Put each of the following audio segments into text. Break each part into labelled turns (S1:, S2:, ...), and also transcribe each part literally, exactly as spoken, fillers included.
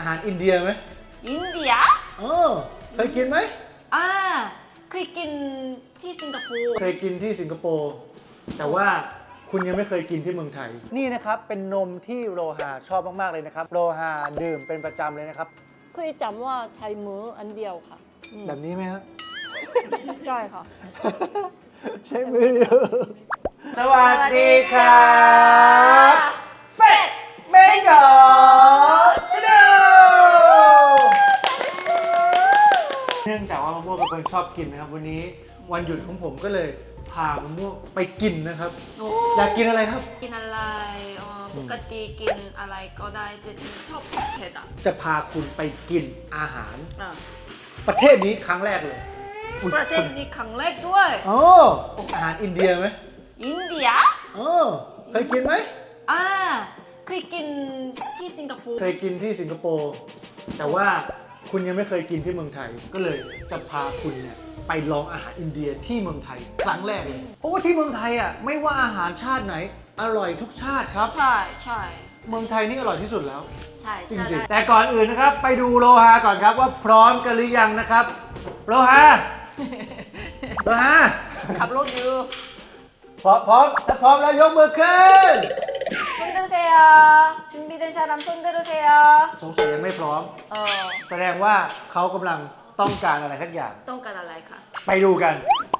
S1: อาหารอินเดียไหม
S2: อินเดีย
S1: เออเคยกินไหม
S2: อ่าเคยกินที่สิงคโปร์
S1: เคยกินที่สิงคโปร์แต่ว่าคุณยังไม่เคยกินที่เมืองไทยนี่นะครับเป็นนมที่โรฮาชอบมากๆเลยนะครับโรฮาดื่มเป็นประจำเลยนะครับ
S3: เคยจำว่าใช้มืออันเดียวค่ะ
S1: แบบนี้ไหมฮะ
S3: ใช่ค่ะ
S1: ใช้มือสวัสดีครับเฟดเมกอชาแนลเนื่องจากว่ามะม่วงเป็นคนชอบกินนะครับวันนี้วันหยุดของผมก็เลยพามะม่วงไปกินนะครับอยากกินอะไรครับ
S2: กินอะไรอ๋อปกติกินอะไรก็ได้แต่ฉันชอบเผ็ดอ่ะ
S1: จะพาคุณไปกินอาหาร
S2: อ่ะ
S1: ประเทศนี้ครั้งแรกเลย
S2: ประเทศนี้ครั้งแรกด้วย
S1: โอ้อาหารอินเดียไหม
S2: อินเดีย
S1: เออเคยกินไหม
S2: อ่าเคยกินที่สิงคโปร์
S1: เคยกินที่สิงคโปร์แต่ว่าคุณยังไม่เคยกินที่เมืองไทยก็เลยจะพาคุณเนี่ยไปลองอาหารอินเดียที่เมืองไทยครั้งแรกเลยเพราะว่าที่เมืองไทยอ่ะไม่ว่าอาหารชาติไหนอร่อยทุกชาติครับ
S2: ใช่ใช่
S1: เมืองไทยนี่อร่อยที่สุดแล้ว
S2: ใช่
S1: จริงๆแต่ก่อนอื่นนะครับไปดูโลหะก่อนครับว่าพร้อมกันหรือยังนะครับโลหะโลหะ
S2: ขับรถอยู่
S1: พร้อมพร้อมถ้าพร้อมแล้วยกมือขึ้น
S2: 손들으세요 준비된 사람 손 들으세요
S1: สงสัยยังไม่พร้อม
S2: เออ
S1: แสดงว่าเขากำลังต้องการอะไรสักอย่าง
S2: ต้องการอะไรคะ
S1: ไปดูกัน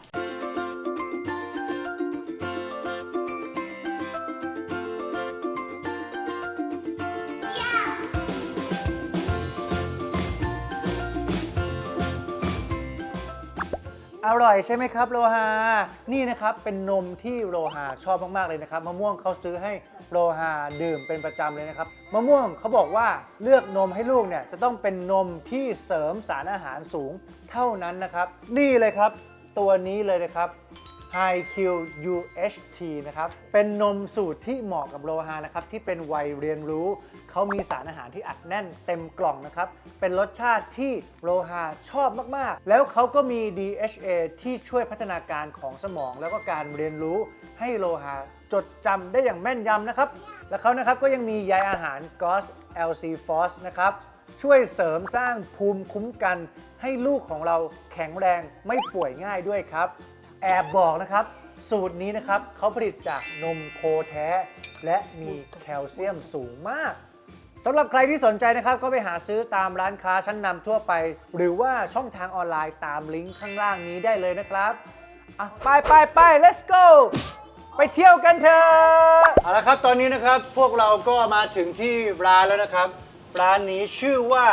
S1: อร่อยใช่ไหมครับโลหานี่นะครับเป็นนมที่โลหาชอบมากๆเลยนะครับมะม่วงเขาซื้อให้โลหาดื่มเป็นประจำเลยนะครับมะม่วงเขาบอกว่าเลือกนมให้ลูกเนี่ยจะต้องเป็นนมที่เสริมสารอาหารสูงเท่านั้นนะครับนี่เลยครับตัวนี้เลยนะครับ High Q ยู เอช ที นะครับเป็นนมสูตรที่เหมาะกับโลหะนะครับที่เป็นวัยเรียนรู้เขามีสารอาหารที่อัดแน่นเต็มกล่องนะครับเป็นรสชาติที่โลหะชอบมากๆแล้วเขาก็มี ดี เอช เอ ที่ช่วยพัฒนาการของสมองแล้วก็การเรียนรู้ให้โลหะจดจำได้อย่างแม่นยำนะครับและเขานะครับก็ยังมีใยอาหาร จี โอ เอส แอล ซี ฟอส นะครับช่วยเสริมสร้างภูมิคุ้มกันให้ลูกของเราแข็งแรงไม่ป่วยง่ายด้วยครับแอบบอกนะครับสูตรนี้นะครับเขาผลิตจากนมโคแท้และมีแคลเซียมสูงมากสำหรับใครที่สนใจนะครับก็ไปหาซื้อตามร้านค้าชั้นนำทั่วไปหรือว่าช่องทางออนไลน์ตามลิงก์ข้างล่างนี้ได้เลยนะครับอ่ะไปไปไป let's go ไปเที่ยวกันเถอะเอาละครับตอนนี้นะครับพวกเราก็มาถึงที่ร้านแล้วนะครับร้านนี้ชื่อว่า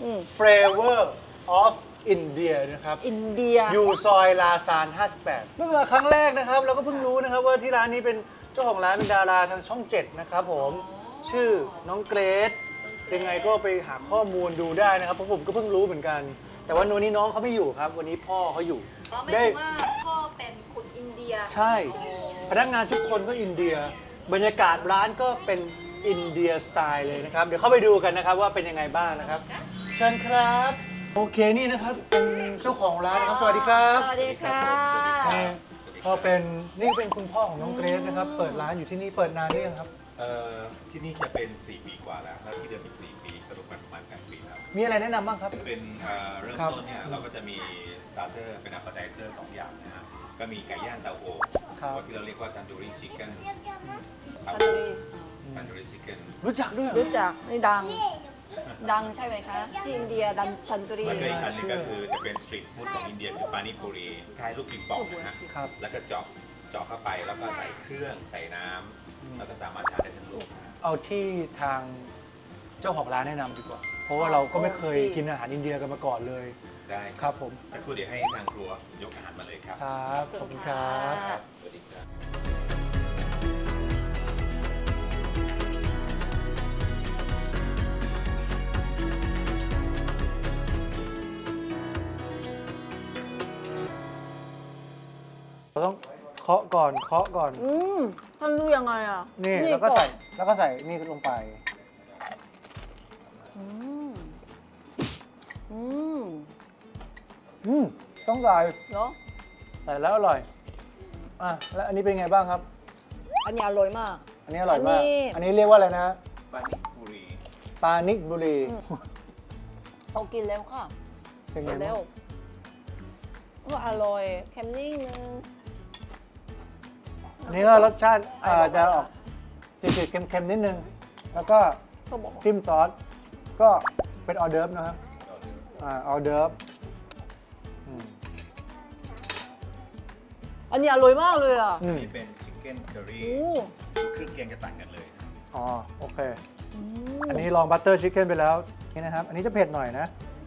S1: Flavor ofอินเดียนะครับ
S3: อินเดีย
S1: อยู่ซอยลาซานห้าสิบแปดเมื่อมาครั้งแรกนะครับเราก็เพิ่งรู้นะครับว่าที่ร้านนี้เป็นเจ้าของร้านเป็นดาราทางช่องเจ็ดนะครับผมชื่อน้องเกรซยังไงก็ไปหาข้อมูลดูได้นะครับเพราะผมก็เพิ่งรู้เหมือนกันแต่ว่าวันนี้น้องเขาไม่อยู่ครับวันนี้พ่อเขาอยู่
S2: ได้ว่าพ่อเป็นคนอินเดีย
S1: ใช่พนักงานทุกคนก็อินเดียบรรยากาศร้านก็เป็นอินเดียสไตล์เลยนะครับเดี๋ยวเข้าไปดูกันนะครับว่าเป็นยังไงบ้างนะครับเชิญครับโอเคนี่นะครับเป็นเจ้าของร้านนะครับสวัสดีครับ
S2: สวัสดีค่ะ
S1: ก็เป็นนี่เป็นคุณพ่อของน้องเกรซนะครับเปิดร้านอยู่ที่นี่เปิดนานหรือยังครับ
S4: เอ่อที่นี่จะเป็นสี่ปีกว่าแล้วแล้วที่เดิมอีกสี่ปีกระดูกประมาณแปดปีแล้ว
S1: มีอะไรแนะนำบ้างครับ
S4: เป็นเอ่อเริ่มต้นเนี่ยเราก็จะมีสตาร์เตอร์เป็นอัปเปอร์ไทเซอร์สองอย่างนะฮะก็มีไก่ย่างเตาอบที่เราเรียกว่าตันดูรี่ชิคเก้น
S2: ตันดูรี่
S4: ตันดูรี่ชิคเก้น
S1: รู้จักด้วย
S2: รู้จักนี่ดังดังใช่ไหมคะที่อินเดียดันทันตุรี
S4: แล้วก็อีกอันนึงก็คือจะเป็นสตรีทฟู้ดของอินเดียคือปานิปุรีคล้ายลูกปิงปองนะฮะแล้วก็เจาะเจาะเข้าไปแล้วก็ใส่เครื่องใส่น้ำแล้วก็สามารถทานได้ทั้งลูก
S1: เอาที่ทางเจ้าของร้านแนะนำดีกว่าเพราะว่าเราก็ไม่เคยกินอาหารอินเดียกันมาก่อนเลย
S4: ได้
S1: ครับผม
S4: สักครู่เดี๋ยวให้ทางครัวยกอาหารมาเลยครับ
S1: ครับขอบคุณครับ
S4: สวัสดีครับ
S1: เราต้องเคาะก่อนเคาะก่อน
S3: อืมทำดูยังไงอ่ะ
S1: นี่แล้วก็ใส่แล้วก็ใส่นี่ลงไป
S3: อืมอืม
S1: อืมต้องใส่
S3: เหรอ
S1: ใส่แล้วอร่อยอ่ะแล้วอันนี้เป็นไงบ้างครับ
S3: อันนี้อร่อยมาก
S1: อันนี้อร่อยมากอันนี้เรียกว่าอะไรนะ
S4: ปานิปุรี
S1: ปานิปุรี
S3: เอากินแล้วค่ะ
S1: เป็นไง
S3: กินแล้
S1: บ้าว ง
S3: ก็อร่อยเค็มนิดนึง
S1: อันนี้ก็รสชาติเอ่อจะออกจืดๆเค็มๆนิดนึง แล้วก็
S3: เขาบอกว่า
S1: จิ้มซอสก็เป็นออเดิร์ฟนะครับอ่าออเดิร์ฟอืม
S3: อันนี้อร่อยมากเลยอ่ะ
S1: อืม
S4: นี่เป็นชิคเก้นเคอรี่
S3: โอ้
S4: เครื่องเคียงจะต่างกันเลย
S1: อ๋อโอเค
S3: อืม
S1: อันนี้ลองบัตเตอร์ชิคเก้นไปแล้วนี่นะครับ อันนี้จะเผ็ดหน่อยนะ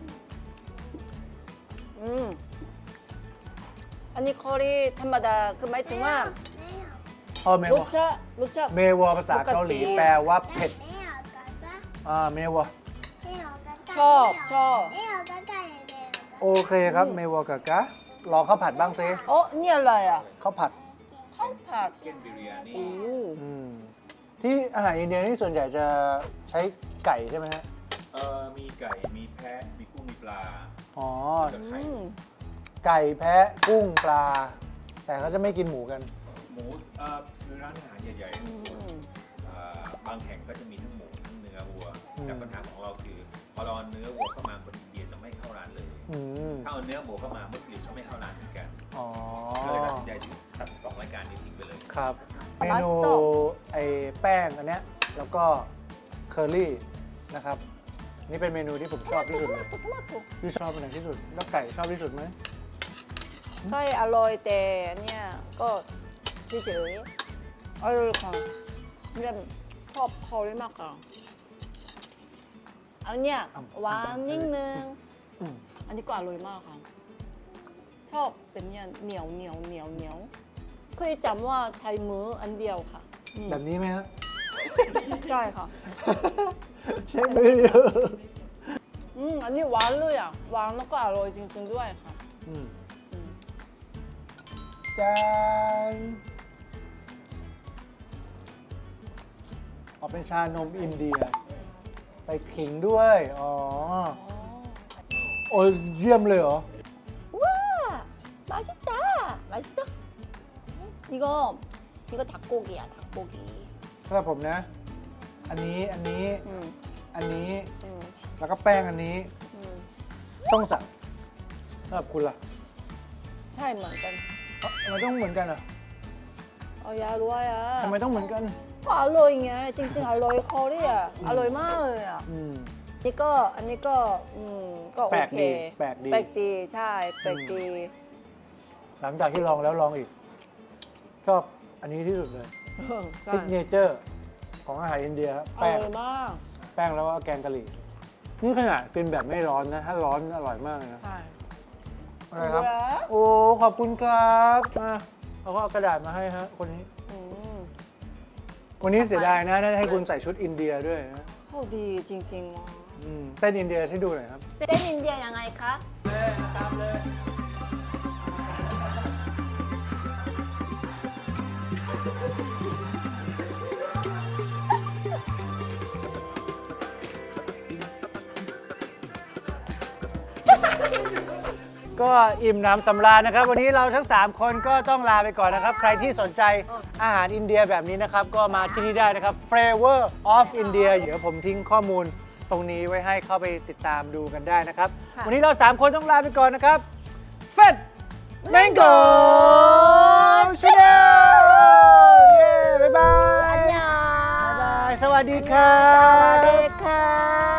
S3: อืมอันนี้คอรี่ธรรมดาคือหมายถึงว่า
S1: อ๋อเม
S3: ร
S1: ว
S3: สชาติรสชาติ
S1: เมวภาษาเกาหลี
S3: ปกติ
S1: แปลว่าเผ็ดอ่าเมว
S3: ชอบชอบ
S1: โอเคครับเมวกะกะรอข้าวผัดบ้างซิ
S3: โอ้นี่อะไรอ่ะ
S1: ข้าวผัด
S3: ข้าวผัด
S4: ชิคเก้นบิริยานี
S3: โอ้
S1: อืมที่อาหารอินเดียนี่ส่วนใหญ่จะใช้ไก่ใช่ไหมฮะ
S4: เอ่อมีไก่ มีแพะ มีกุ้ง มีปลา
S1: อ๋อ
S4: แล้วก็ไข่
S3: อืม
S1: ไก่แพะกุ้งปลา แต่เขาจะไม่กินหมูกัน
S4: หมูเอ่อคือร้านอาหารใหญ่ๆ
S3: อืม
S4: เอ่อบางแห่งก็จะมีทั้งหมูทั้งเนื้อวัว
S1: อืม
S4: แต่ปัญหาของเราคือ พอเราเอาเนื้อวัวเข้ามาคนอินเดียจะไม่เข้าร้านเลย
S1: อืม
S4: ถ้าเอาเนื้อหมูเข้ามามุสลิมก็ไม่เข้าร้านเหมือนกัน
S1: อ๋อ
S4: ก็เลยตัดสินใจตัดสองรายการนี้ทิ้งไปเลย
S1: ครับ เม
S3: บัส
S1: นู
S3: โต้
S1: ไอ้แป้งอันเนี้ยแล้วก็เคอรี่นะครับ นี่เป็นเมนูที่ผมชอบที่สุดเลย
S3: トマト
S1: พี่ชอบเป็นไหนที่สุด แล้วไก่ชอบที่สุดไหม
S3: ไก่อร่อยแต่เนี่ยก็เฉยๆอร่อยค่ะเนี่ยชอบคอรี่มากอ่ะอันเนี้ยหวานนิดนึง
S1: อืม
S3: อันนี้ก็อร่อยมากค่ะ ชอบเป็นเนี่ยเหนียวเหนียวเหนียวเหนียวเคยจำว่าใช้มืออันเดียวค่ะอืม
S1: แบบนี้ไหมฮะ
S3: ใช่ค่ะ
S1: ใช่มือ
S3: อืมอันนี้หวานเลยอ่ะหวานแล้วก็อร่อยจริงๆด้วยค่ะ
S1: อืม
S3: อืม
S1: จานออกเป็นชานมอินเดียใส่ขิงด้วย อ๋อ
S3: อ๋อ
S1: โอ้ยเยี่ยมเลยเหรอ
S3: ว้า맛있다 맛있어 이거 이거 닭고기야 닭고기
S1: สำหรับผมนะ อันนี้ อันนี้
S3: 음,
S1: อันนี้
S3: 음,
S1: แล้วก็แป้งอันนี้
S3: 음.
S1: ต้องสั่งสำหรับคุณล่ะ
S3: ใช่เหมือนกัน
S1: เอ้าทำไมต้องเหมือนกันอ่ะ
S3: เอายารู้ว่าอ่ะ
S1: ทำไมต้องเหมือนกัน
S3: ก็อร่อยไงจริงๆอร่อยคอรี่อ่ะอร่อยมากเลยอ่ะ
S1: อืม
S3: นี่ก็อันนี้ก็อืมก็โอ
S1: แปลก
S3: เค
S1: ดีแปลกดี
S3: แปลกดีใช่แปลกดี
S1: หลังจากที่ลองแล้วลองอีก ชอบอันนี้ที่สุดเลย
S3: ใช่
S1: ซิกเนเจอร์ของอาหารอินเดียครับ
S3: อ
S1: แป้ง
S3: ร่อยมาก
S1: แป้งแล้วก็แกงกะหรี่ นี่ขนาดกินแบบไม่ร้อนนะ ถ้าร้อนอร่อยมากเลยนะ
S3: ใช่
S1: อะไรครับ
S3: เหลือ
S1: โอ้ ขอบคุณครับมาเอาก็เอากระดาษมาให้ฮะ คนนี้
S3: อืม
S1: วันนี้เสียดายนะน่าจะให้คุณใส่ชุดอินเดียด้วยนะ
S3: โอ้ดีจริงๆว่ะ
S1: อืมเต้นอินเดียให้ดูหน่อยครับ
S3: เต้นอินเดียยังไงคะ
S1: ตามเลย ก็อิ่มหน้ำสำราญนะครับ วันนี้เราทั้ง สาม คนก็ต้องลาไปก่อนนะครับ ใครที่สนใจอาหารอินเดียแบบนี้นะครับ ก็มาที่นี่ได้นะครับ Flavor of India เดี๋ยวผมทิ้งข้อมูลตรงนี้ไว้ให้เข้าไปติดตามดูกันได้นะครับ
S3: ค่ะ
S1: วันนี้เรา สาม คนต้องลาไปก่อนนะครับ เฟด Mango Channel เย้ บ๊ายบาย
S3: อันยา
S1: บ๊ายบาย สวัสดีครั
S3: สวัส
S1: บ
S3: ดีค่ะ